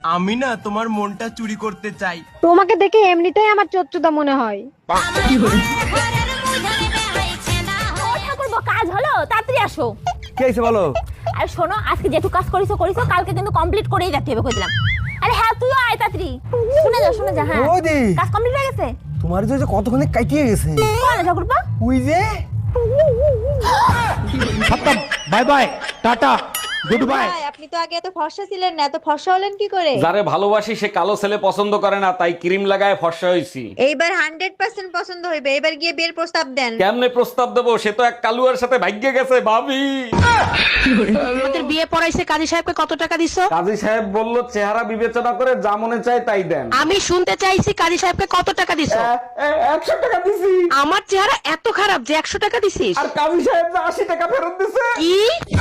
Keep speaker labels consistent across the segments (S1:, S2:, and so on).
S1: আমি না তোমার মনটা চুরি করতে চাই।
S2: তোমাকে দেখে এমনিতেই আমার চচ্চুদা মনে হয়।
S3: ঠাকুরপো, কাজ হলো? তাড়াতাড়ি আসো।
S4: কি হয়েছে বলো?
S3: আর শোনো, আজকে যেটু কাজ করিছো কালকে কিন্তু কমপ্লিট করেই যেতে হবে কই দিলাম। আরে হ্যাঁ, তুইও আয় তাড়াতাড়ি। শুনে যা হ্যাঁ।
S4: ওদি
S3: কাজ কমপ্লিট হয়ে গেছে?
S4: তোমার যে কতক্ষণে কাটিয়ে গেছে।
S3: কোন ঠাকুরপো?
S4: ওই যে
S5: খতম, bye bye, tata, good bye.
S6: আপনি তো আগে এত ফর্সা ছিলেন না, এত ফর্সা হলেন কি করে?
S7: যারে ভালোবাসি সে কালো ছেলে পছন্দ করে না, তাই ক্রিম লাগায় ফর্সা হইছি।
S6: এইবার 100% পছন্দ হইবে। এবার গিয়ে বিয়ের প্রস্তাব দেন।
S7: কেমনে প্রস্তাব দেবো? সে তো এক কালুয়ার সাথে ভাগ্যে গেছে ভাবি।
S8: আমাদের বিয়ে পড়াইছে, কাজী সাহেবকে কত টাকা দিছো?
S7: কাজী সাহেব বলল চেহারা বিবেচনা করে যা মনে চায় তাই দেন।
S8: আমি শুনতে চাইছি কাজী সাহেবকে কত টাকা দিছো?
S7: 100 টাকা দিছি।
S8: আমার চেহারা এত খারাপ যে 100 টাকা দিছিস?
S7: আর কাজী সাহেব যে 80 টাকা ফেরত দিছে।
S8: কি?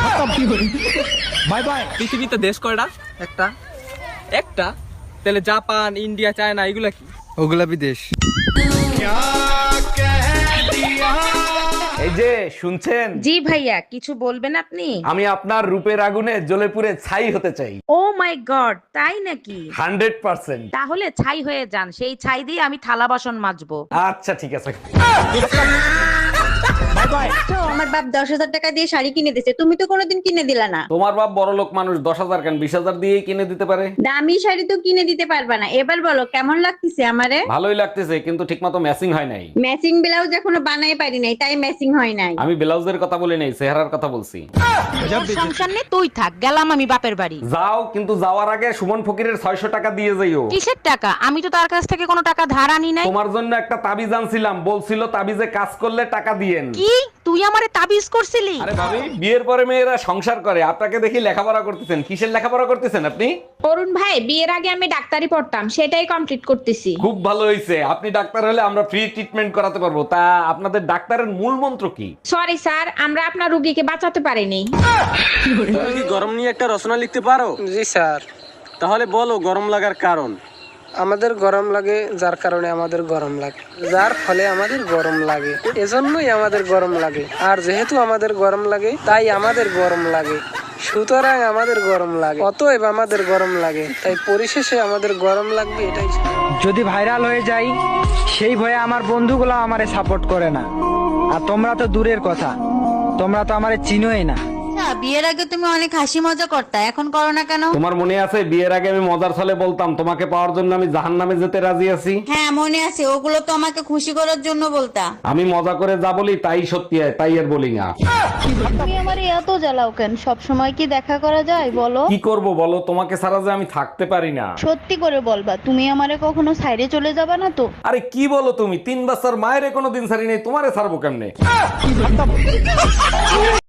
S5: Bye bye.
S1: পৃথিবীতে দেশ কয়টা? একটা। একটা? তাহলে জাপান, ইন্ডিয়া, চায়না এগুলা কি?
S4: ওগুলা বিদেশ।
S7: এই যে শুনছেন?
S8: জি ভাইয়া, কিছু বলবেন আপনি?
S7: আমি আপনার রূপের আগুনে জ্বলে পুড়ে ছাই হতে চাই।
S8: ও মাই গড, তাই নাকি?
S7: 100%।
S8: তাহলে ছাই হয়ে যান, সেই ছাই দিয়ে আমি থালা বাসন মাজবো।
S7: আচ্ছা ঠিক আছে।
S6: তো আমার বাপ 10,000 টাকা দিয়ে শাড়ি কিনে দিয়েছে, তুমি তো কোনোদিন কিনে দিলা না।
S7: তোমার বাপ বড় লোক মানুষ, 10,000 কেন 20,000 দিয়েই কিনে দিতে পারে।
S6: দামি শাড়ি তো কিনে দিতে পারবা না। এবার বলো কেমন লাগতেছে আমারে?
S7: ভালোই লাগতেছে, কিন্তু ঠিকমতো ম্যাচিং হয় নাই।
S6: ম্যাচিং ব্লাউজ এখনো বানাই পারি নাই, তাই ম্যাচিং হয় নাই।
S7: আমি ব্লাউজের কথা বলি নাই, চেহারার কথা বলছি।
S8: সংসার নেই, তুই থাক, গেলাম আমি বাপের বাড়ি।
S7: যাও, কিন্তু যাওয়ার আগে সুমন ফকিরের 600 টাকা দিয়ে যাইও।
S8: কিসের টাকা? আমি তো তার কাছ থেকে কোনো টাকা ধার আনি নাই।
S7: তোমার জন্য একটা তাবিজ আনছিলাম, বলছিল তাবিজে কাজ করলে টাকা দিয়েন।
S8: কি? তুই আমারে তাবিজ করছিলি?
S7: আরে ভাবি, বিয়ের পরে মেয়েরা সংসার করে, আপনাকে দেখি লেখাপড়া করতেছেন। কিসের লেখাপড়া করতেছেন আপনি?
S9: অরুণ ভাই, বিয়ের আগে আমি ডাক্তারি পড়তাম, সেটাই কমপ্লিট করতেছি।
S7: খুব ভালো হয়েছে, আপনি ডাক্তার হলে আমরা ফ্রি ট্রিটমেন্ট করাতে পারবো। তা আপনাদের ডাক্তারের মূল মন্ত্র কি?
S9: সরি স্যার, আমরা আপনার রোগীকে বাঁচাতে পারিনি।
S10: তুমি কি গরম নিয়ে একটা রচনা লিখতে পারো?
S11: জি স্যার।
S10: তাহলে বলো গরম লাগার কারণ।
S11: আমাদের গরম লাগে যার কারণে আমাদের গরম লাগে, যার ফলে আমাদের গরম লাগে, এজন্যই আমাদের গরম লাগে। আর যেহেতু আমাদের গরম লাগে তাই আমাদের গরম লাগে, সুতরাং আমাদের গরম লাগে, অতএব আমাদের গরম লাগে, তাই পরিশেষে আমাদের গরম লাগবে, এটাই।
S5: যদি ভাইরাল হয়ে যাই সেই ভয়ে আমার বন্ধুগুলো আমারে সাপোর্ট করে না, আর তোমরা তো দূরের কথা, তোমরা তো আমারে চিনোই না।
S6: বিয়ের আগে তুমি অনেক হাসি মজা করতা, এখন করো না কেন?
S7: তোমার মনে আছে বিয়ের আগে আমি মজার ছলে বলতাম তোমাকে পাওয়ার জন্য আমি জাহান্নামে যেতে রাজি আছি?
S6: হ্যাঁ মনে আছে, ওগুলো তো আমাকে খুশি করার জন্য বলতা।
S7: আমি মজা করে যা বলি তাই সত্যি হয়, তাই আর বলি না।
S2: তুমি আমারে এত জ্বালাও কেন? সব সময় কি দেখা করা যায় বলো?
S7: কি করব বলো, তোমাকে ছাড়া যে আমি থাকতে পারি না।
S2: সত্যি করে বলবা, তুমি আমারে কখনো সাইডে চলে যাবা না তো?
S7: আরে কি বলো তুমি, 3 বছর মায়ের কোনো দিন ছাড়ি নেই, তোমারে ছাড়বো কেমনে?